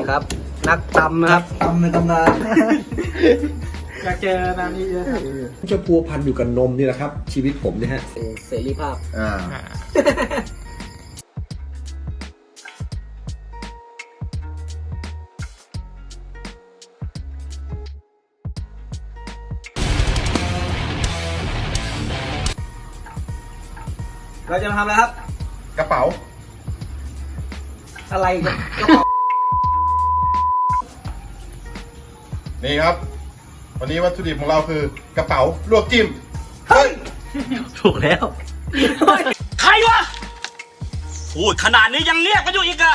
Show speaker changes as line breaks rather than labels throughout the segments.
ครับนักตำนะครับ
ตำในตำนาน
อยากเจอนานนี้เยอะ
จะพัวพันอยู่กับนมนี่แหละครับ ชีวิตผมเนี่ยฮะ
เสรีภาพ เราจะมาทำอะไรครับ
กระเป๋า
อะไรกัน
นี่ครับ วันนี้วัตถุดิบของเราคือกระเป๋าลวกจิ้ม
เฮ้ย
ถูกแล้ว
ใครวะ พูดขนาดนี้ยังเรียกกันอยู่อีกอะ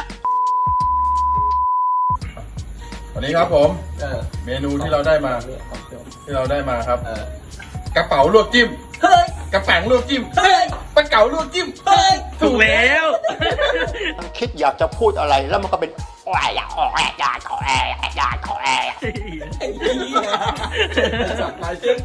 วันนี้ครับผมเมนูที่เราได้มาครับ กระเป๋าลวกจิ้ม
เฮ้ย
กระแป๋งลวกจิ้ม
เฮ้ย
ปลาเก๋าลวกจิ้ม
เฮ้ย
ถูกแล้ว
คิดอยากจะพูดอะไรแล้วมันก็เป็นแอร์ขอแอร์ขอแอร์ขอแอร์
ไอ้เหี้ยสับหลายเส้น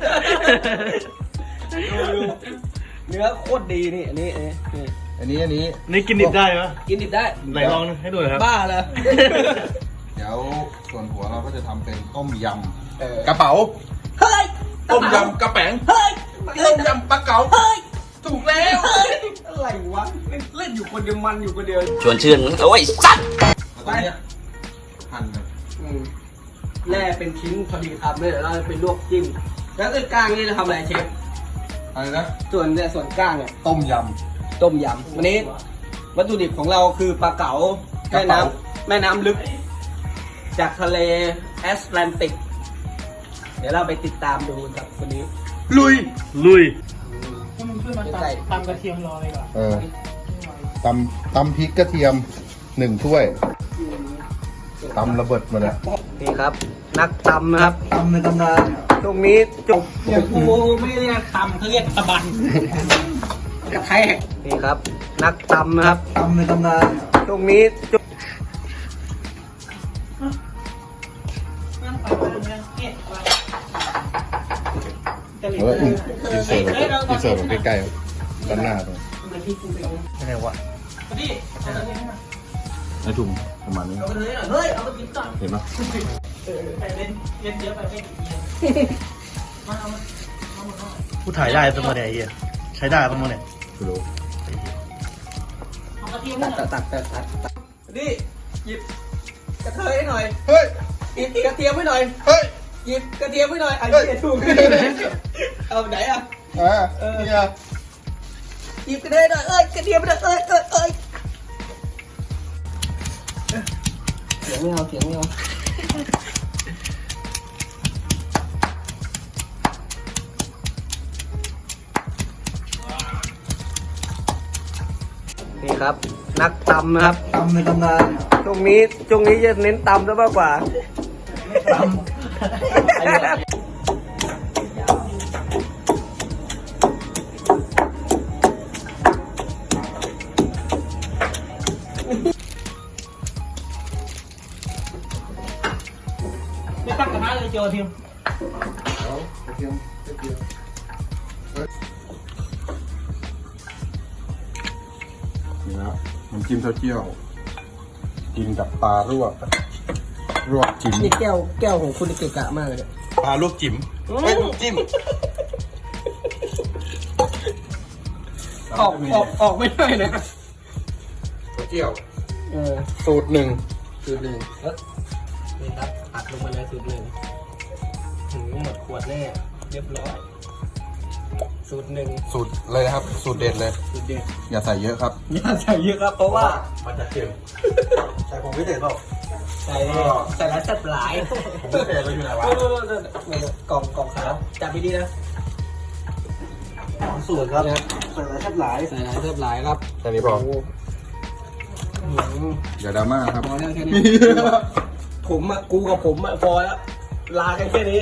ดูเนื้อโคตรดีนี่ อันนี้
อันนี้
นี่กินดิบได้ไหม
กินดิบได้
ไหนลองให้ดูหน่อยครับ
บ้าเลย
เดี๋ยวส่วนหัวเราก็จะทำเป็นต้มย
เออ
ำกระเป๋า
เฮ้ย
ต้มยำกระแป๋ง
เฮ้ย
ต้มยำปลาเก๋า
เฮ้ย
ถูกแล้ว
เฮ้ย อะไรวะ เล่นอยู่คนเดียวมันอยู่คนเดียว
ชวนชื่นโอ้ยสัตว์
แล้วก็เนี่ยหั่นเลย
แล่เป็นชิ้นพอดีคำเลยเดี๋ยวเราจะไปลวกจิ้ม แล้วก็กล้างนี่เราทำอะไรเชฟ
อะไรนะ
ส่วนเนี่ยส่วนกล้างเนี่ย
ต้มย
ต้มยำวันนี้วัตถุดิบของเราคือปลาเก๋าแม่น้ำแม่น้ำลึก จากทะเลแอตแลนติก เดี๋ยวเราไปติดตามดูกับคนนี้
ำลุย
ลุยตำกระเทียมรอเลยก่อน
ตำพริกกระเทียม1 ถ้วยตำระเบิดมาแล้ว
นี่ครับ นักตำนะครับ
ตำในตำนาน
ตรงนี้จบ
อย่างกูไม่เรียกตำเขาเรียกตะบัน
กระแทกนี่ครับ นักตำนะครับ
ตำในตำนาน
ตรงนี้จบ
เอออินเสิร์ตใกล้ๆด้านหน้าตรง
อะไรวะ
ในถุงประมาณนี้
เฮ้ย เอาไปกินก่อน
เห็นไหม
ผู้ถ่ายได้ตั้งมาเนี่ยไอ้เหี้ยใช้ได้ตั้งมาเนี่ย
คือรู้
ตัดนี่หยิบกระเทยให้หน่อย
เฮ้ย
หยิบกระเทียมให้หน่อย
เฮ้ย
หยิบกระเทียมให้หน่อยไอ้
เฮ้ย
เหี้ยถูกเอาไหนอ่ะ
เนี่ย
หยิบกระเทียมหน่อย กระเทียมหน่อยเอ้ยเสียงไม่เอานี่ครับ นักตำนะครับ
ตำในตำนาน
ตรงนี้จะเน้นตำซะมากกว่า
ตำ
ไม่ตั้งกระทะเลยเจียวเทียม
นี่นะน้ำจิ้มเต้าเจี้ยวกินกับปลาลวกจิ้ม
นี่แก้วของคุณเกะกะมากเลยเนี่ย
ปลาลวกจิ้มไม่ลวกจิ้ม
ออกไม่ได้นะ
เต้าเจี้ยว
เออ
สูตร 1
นี่ครับอัดลงมาเลยสูตร 1หมดขวดแน่เรียบร้อยสูตร 1
สูตรเลยนะครับ สูตรเด็ดเลย
สูตรเด็ด
อย่าใส่เยอะครับ
อย่าใส่เยอะครับเพราะว่า
มันจะเค็มใส่ผงพิเศษเปล่า
ใส่แล้วจัดหลาย
ผงพิเศษเราอยู่ไหนวะ
กล่องขาวจับดีๆนะ
สูตรครับใส่หลายแทบหลาย
ใส่หลายเทิบหลายครับ
แค่นี้พออย่าดราม่าครับ
พอแล้วแค่นี้ผมอะกูกับผมอะพอแล้วลากันแค่นี้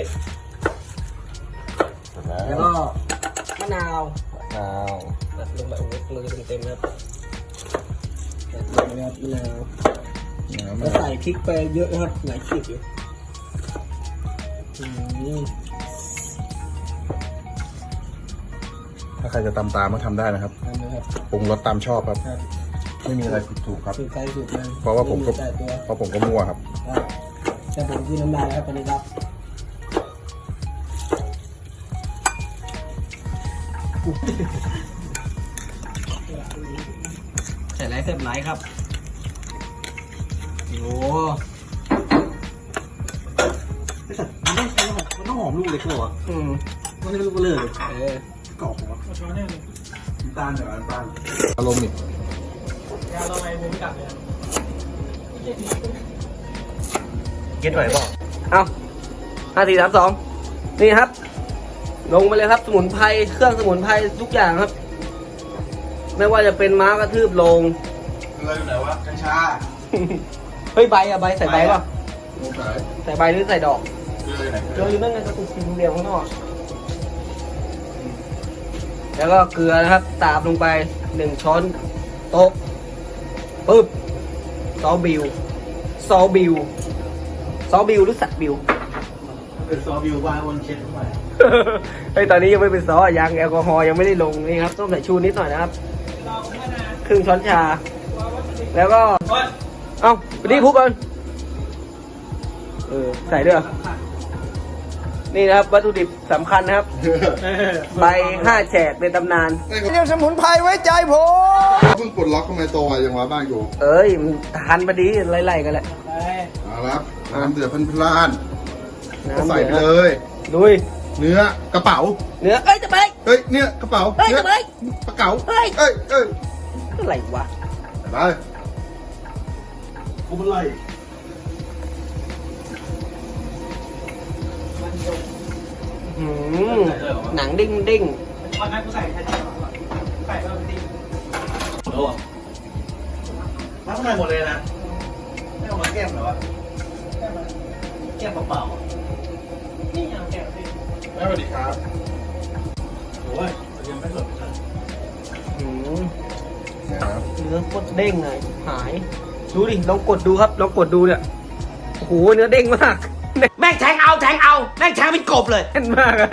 แล้วก็มะนาว
อ้าว
ตัดลงไปโอ้โหมือเต็มๆครับตัดลงไปครับมะนาวแล้วใส่พริกไปเยอะนะครับหลายขีดอยู่
ถ้าใครจะตำตามก็ทำได้นะครับ
ทำนะครับ
ปรุงรสตามชอบครับไม่มีอะไรผิดถูกครับ
ถูกใจถูกเลย
เพราะว่าผมก็
แต่ตัว
เพราะผมก็มั่วครับ
แต่ผมที่น้ำลายแล้วตอนนี้ครับใส่ไรเสร็จไรครับโอ้
มันต้องหอมลูกเล็กเลยเหรอ
อืม
มันไม่ลูกเบลอเลย
กรอบหัว
น้ำตาลจากน้ำตาล
อารมณ์นี่
เก็ตไหวเปล่า
เอา5 4 3 2นี่ครับ ลงไปเลยครับสมุนไพรเครื่องสมุนไพรทุกอย่างครับ ไม่ว่าจะเป็นม้ากระทืบลง
อะไรอยู่ไหนวะกัญชา
เฮ้ยใบอะใบใส่ใบป่ะ
ลงสาย
ใส่ใบหรือใส่ดอก
เลยไหน
เจออยู่นั่นไงกระตุกสีเหลี่ยมข้างนอกแล้วก็เกลือนะครับตามลงไป1 ช้อนโต๊ะปึ๊บซอสบิวซอสบิวซอสบิวหรือสัตว์บิว
เป็นซอบิวว่าวนเช็ดเข้าไป
เฮ้ยตอนนี้ยังไม่เป็นซอสยังแอลกอฮอล์ยังไม่ได้ลงนี่ครับต้องใส่ชูนิดหน่อยนะครับครึ่งช้อนชา แล้วก็เอ้าไปดิคลุกก่อนใส่ด้วยเหรอนี่นะครับวัตถุดิบสำคัญนะครับ ใบ5 แฉกในตำนาน
เรียกสมุนไพรไว้ใจผม
เพิ่งปลดล็อกทำไมโตไวยังวะบ้านอยู่
เอ้ยมันทันพอดีไล่ๆกันแหละ
เอาละครับน้ำเดือดพล่านๆก็
น้ำ
ใส่ไป
เดือด
เลย
ลุย
เนื้อกระเป๋า
เนื้อเอ้ยจะไป
เฮ้ยเนี่ยกระเป๋า
เฮ้ย
นื้อ
จะไป
กระเป๋า
เฮ้ย
เอ้ยเอ้ย
อะไรวะ
ไป
กูเป็นไร
หืมหนังดิ้งดิ้ง
มาข้างในหมดเลยนะไม่เอามาแก้มเหรอวะแก้มเปล่าๆนี่เอาแก้มสิ
สวัสดีครับ
โอ้ยยังไม่หลดเลย
หืม
เนี่ยครับ
เนื้อโคตรเด้งเลยหาย ดูดิลองกดดูครับลองกดดูเนี่ยโอ้โหเนื้อเด้งมาก
แม่งแทงเอา แม่งแทงเป็นกบเลย
แน่นมากอะ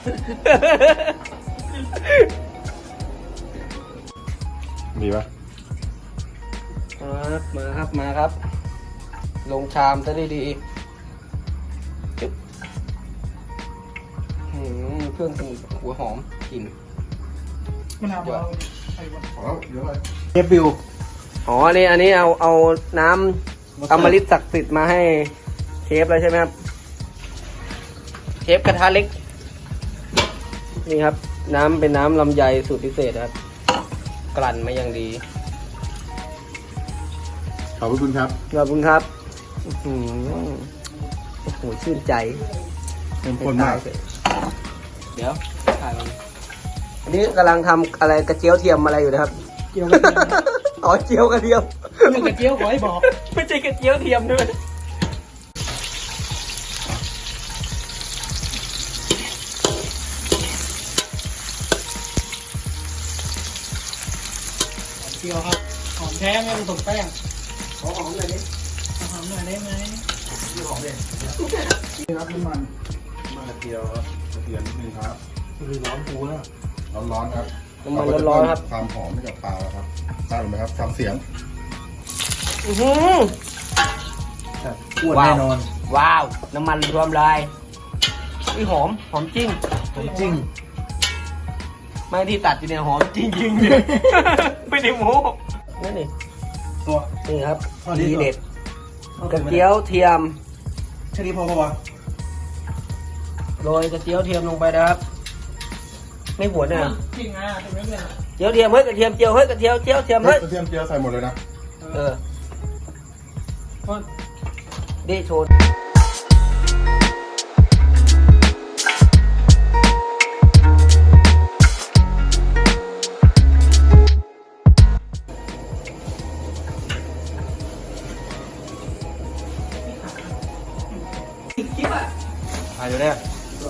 มีปะ
มาครับ ลงชามซะดีๆจึ๊บเครื่องสมุนหัวหอมกลิ่น
มันเอา
ขอแล้วเดี๋ยวไป
เก็บบิว
อ๋ออันนี้เอาน้ำอมฤตศักดิ์สิทธิ์มาให้เชฟแล้วใช่ไหมครับเชฟกระทะเล็กนี่ครับ น้ำเป็นน้ำลำไยสูตรพิเศษครับ กลั่นมาอย่างดี
ขอบคุณครับ
ขอบคุณครับอื้อหือโอ้โหชื่นใจ
เข้มข้นมาก
เดี๋ยวถ่ายก่อนอันนี้กำลังทำอะไรกระเจียวเทียมอะไรอยู่นะครับ
เกี่ยวกับ
อ๋อเจียวกระเทียม
เรื่องกระเจียวขอให้บอก
ไม่ใช่กระเจียวเทียมด้วย
เกี่ยวครับหอมแท้ไม่ผสมแป้ง
ขอหอมหน่อยดิ
หอมหน่อยได้ไหม
นี่ครับน้ำมันกระเทียมครับกระเทียมนิดนึงครับ
คือร้อนปูแล้ว
ร้อนๆครับ
น้ำมันร้อนๆครับ
ความหอมให้กับปลาครับทราบไหมครับฟังเสียง
อื้อหือ
อ้วนแน่นอน
ว้าว น้ำมันรวมลายนี่หอมจริง
ผมจริง
ไม่ที่ตัดอยู่เนี่ยหอมจริงๆเนี่ย ไม่ได้โม้นั่นนี่
ตัว
นี่ครับ
อ๋อนี่
ที
เหรอ
เด็ดกระเจียวเทียม
แค่นี้พอปะวะ
โรยกระเจียวเทียมลงไปนะครับ ไม่หวนเนี่ย
จริงอ่ะถึงไม่เป็น
เจียวเทียมเฮ้ยกระเทียมเจียวเฮ้ยกระเทียมเจียวเทียมเฮ้ย
กระเทียมเจียวใส่หมดเลยนะ
เออดิโชว์คลิปอ่ะ
ถ่ายอยู่เนี่ย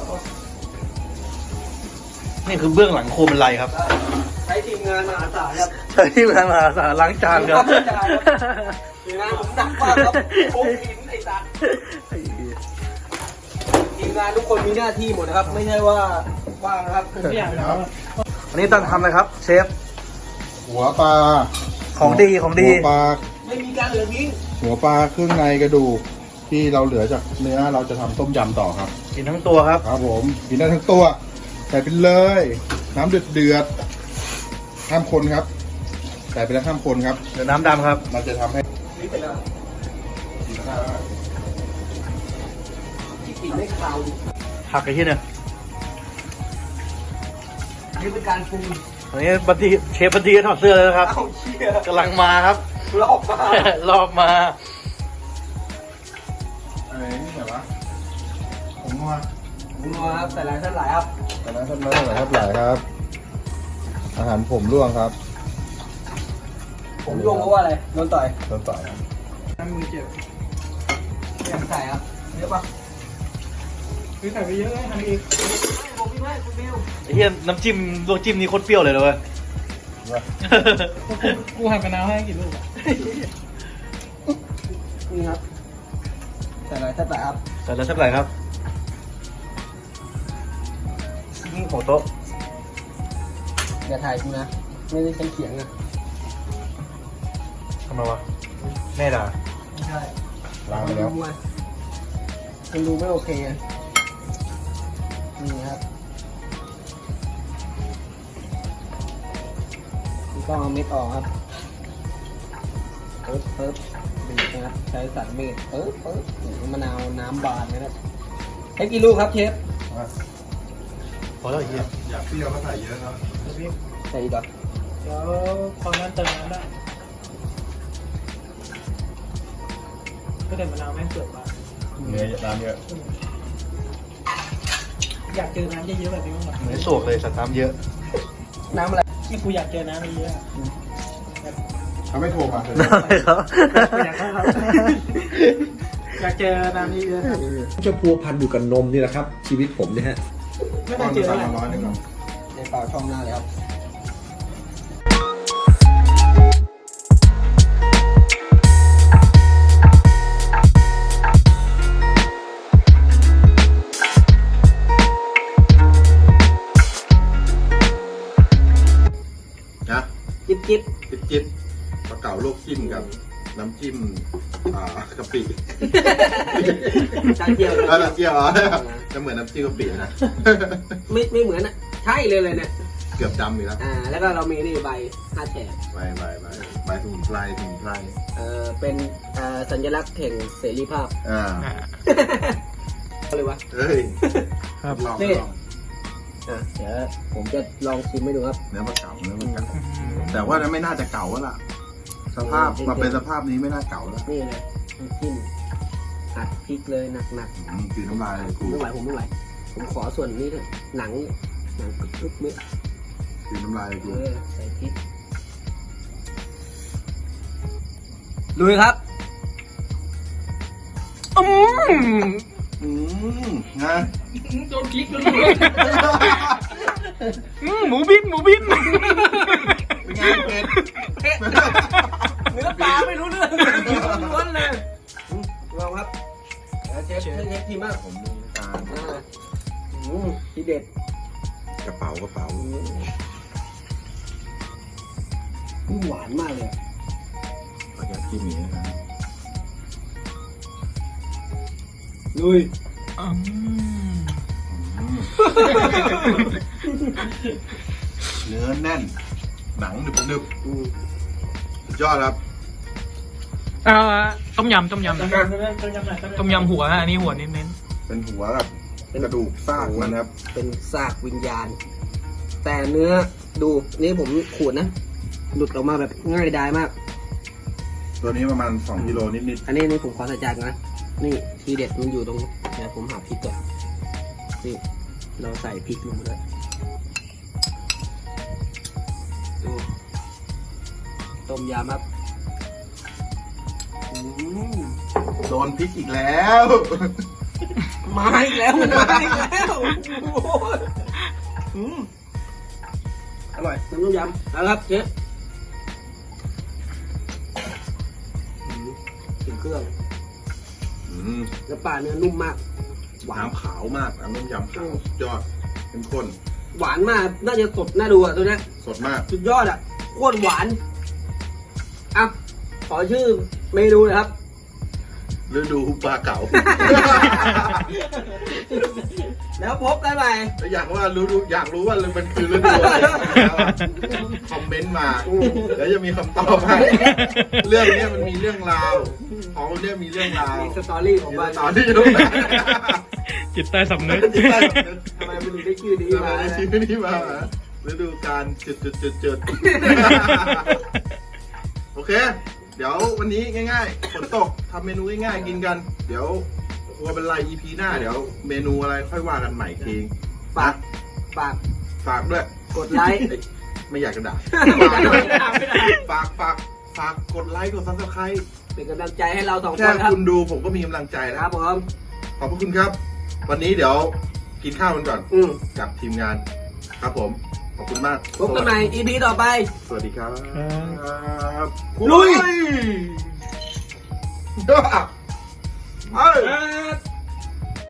นี่คือเบื้องหลังโคมไลครับ
ใช้ทีมงานมหาศาลครับ
ใช่ที่มาล้างจานครับ
ทีมงานผมดักมากครับโค้งหินไอ้สัตว์ทีมงานทุกคนมีหน้าที่หมดนะครับ ไม่ใช่ว่าว่างนะครับ
ผมไม่อยาก
ครับ
วันนี้ต้องทำอะไรครับ เชฟ
หัวปลา
ของดีของดี
หัวปลา
ไม่มีการเหลือทิ้ง
หัวปลาเครื่องในกระดูกที่เราเหลือจากเนื้อเราจะทำต้มยำต่อครับ
กินทั้งตัวครับ
ครับผมกินได้ทั้งตัวใส่ไปเลย น้ำเดือดๆห้ามคนครับใส่ไปแล้วห้ามคนครับ
เดี๋ยวน้ำดำครับ
มันจะทำให้
นี่เป็นอะไรที่กลิ่นไม่คาวดิ
ผักไอ้ที่เนี่ย
นี่เป็นการปรุง
อันนี้บันทีเชฟบันทีถอดเสื้อเลยนะครับ
เอ้าเชี่ย
กำลังมาครับ
รอบมา
รอบมา
อะไรนี่แบบว่าผมว่า
หมูนัวครับใส่หลายท่านหลายครับ
แต่ละท่านหลายครับหลายครับ อาหารผมร่วงครับ
ผมลงเพราะว่าอะไรโดนต่อย
โดนต่อยครับ
น้ำมือเจ็บอยากใส่ครับเยอะปะคือใส่ไปเยอะเลยทำอีกผมไม่คุณบิว
ไอ้เหี้ยน้ำจิ้มลวกจิ้มนี่โคตรเปรี้ยวเลยนะเว้ย
กูหั่นมะนาวให้กี่ลูกนี่ครับใส่หลายท่านหลายครับ
ใส่แล้วสักไหร่ครับนี่หัวโต๊ะ
อย่าถ่ายกูนะไม่ได้ใช้เขียงนะ
ทำไมวะแม่ด่า
ไม่ใช่
ล้างไปแล้ว
มันดูไม่โอเคอะนี่ครับนี่ก็เอาเม็ดออกครับปึ๊บบีบนะครับใช้สันเม็ดปึ๊บมะนาวน้ำบานนะครับให้กี่ลูกครับเชฟ
พอแล้วไอ้เหี้ย
อยากเปรี้ยวก็ใส่เยอะครับ
ใส่อีกเหรอ
เดี๋ยวพอนั้นเติมน้ำได้ก็เด็ดมะนาวแม่งเกิดมา
เนื้อน้ำเยอะ
อยากเจอน้ำเยอะๆแบบนี้บ้างไหม
เหมือนสวกเลยสัตว์น้ำเยอะ
น้ำอะไร
นี่กูอยากเจอน้ำเยอะๆอะ
เขาไม่โทรมาเลย
ครับ
อยากให้เขาอยากเจอน้ำเยอะๆ
จะพัวพันอยู่กับนมนี่แหละครับ ชีวิตผมเนี่ยฮะ
ไม่
ก้
ต้
อ
อน งเจอ
สั่
อะ
ง
ไร
มา100ครับ
ในเปล่าช่องหน้าเลยครับ
นะ
จิ๊บจิ๊บ
จิ๊บปลาเก๋าลวกจิ้มกับน้ำจิ้มกะปิ
จานเจียว
น้ำเจียวจะเหมือนน้ำจิ้มกะปินะ
ไม่เหมือนอ่ะใช่เลยเนี่ย
เกือบดำอีกแล้ว
แล้วก็เรามีนี่ใบ5แฉก
ใบสมุนไพร
เป็นสัญลักษณ์แห่งเสรีภาพ อะไรวะ
เฮ้ย
ครับ
ลอง
นี่ เดี๋ยวผมจะลองชิมให้ดูครับ
เนื้อปลาเก๋าแต่ว่านั้นไม่น่าจะเก่าแล้วล่ะ สภาพมาเป็นสภาพนี้ไม่น่าเก่าแล้ว
นี่เลยน้ำจิ้มอัดพริกเลยหนัก
กินน้ำลายเลย
ๆ
กู
ผมไม่ไหวผมขอส่วนนี้เถอะหนังกรึบๆเม็ด
กินน้ำลายเลยกู
ใส่พริกลุยครับ
นะ
โดนคลิกเลย
หมูบิ้นหมูบิ้น
เป็นไงเป็ด
เนื้อปลาไม่รู้เรื่องล้วนเลยลองครับเชฟทีมาก
ผมมีตา
ทีเด็ด
กระเป๋า
หวานมากเลย
ขออนุญาตกินหมีนะครับ
ลุย
เนื้อแน่น หนังดึบๆสุดยอดครับ
ต้มยำต้มยำหัวฮะอันนี้หัวเน้น
เป็นหัวกับกระดูกซากมันครับ
เป็นซากวิญญาณ แต่เนื้อดูนี่ผมขูดนะ หลุดออกมาแบบง่ายดายมาก
ตัวนี้ประมาณ2กิโลนิด
อันนี้ผมขอใส่จานก่อนนะ นี่ทีเด็ดมันอยู่ตรงเดี๋ยวผมหาพริกก่อนนี่เราใส่พริกลงไปด้วยดูต้มยำครับ
ๆโดนพริกอีกแล้ว
มาอีกแล้วมันมาอีกแล้วอร่อยน้ำต้มยำเอาละครับเชฟถึงเครื่อง แล้วปลาเนื้อนุ่มมาก หวาน
น้ำขาวมากน้ำต้มยำขาวสุดยอดเข้มข้น
หวานมาก น่าจะสดน่าดูอ่ะตัวเนี้ย
สดมาก
สุดยอดอ่ะโคตรหวานขอชื่อเมนูนะครับ
ฤดูปลาเก๋า
แล้วพบกันใหม่
อยากรู้ว่ามันคือฤดูอะไรคอมเมนต์มาแล้วจะมีคำตอบให้เรื่องเนี้ยมันมีเรื่องราวของเนี้ยมีเรื่องราว
มีสตอรี่ของมัน
ตอนที่รู้นะ
จิตใต้สำนึก
ทำไมมันถึงได้ชื่อนี้
ที่
มา
มาชื่อนี้มาฤดูการจุดโอเค เดี๋ยววันนี้ง่ายๆฝนตกทำเมนูง่ายๆกินกัน เดี๋ยวว่าเป็นไร EP หน้าเดี๋ยวเมนูอะไรค่อยว่ากันใหม่ที
ฝาก
ฝากด้วย
กดไลค์
ไม่อยากจะด่าฝากกดไลค์กด Subscribe
เป็นกำลังใจให้เราสองค
แค่
นครับ
คุณดูผมก็มีกำลังใจแล้ว
ครับผม
ขอบพระคุณครับ วันนี้เดี๋ยวกินข้าวกันก่อน กับทีมงานครับผมขอบคุณมาก
พบกันใหม่ EP ต่อไป
สวัสดีครับ
ลุย
เอ้ย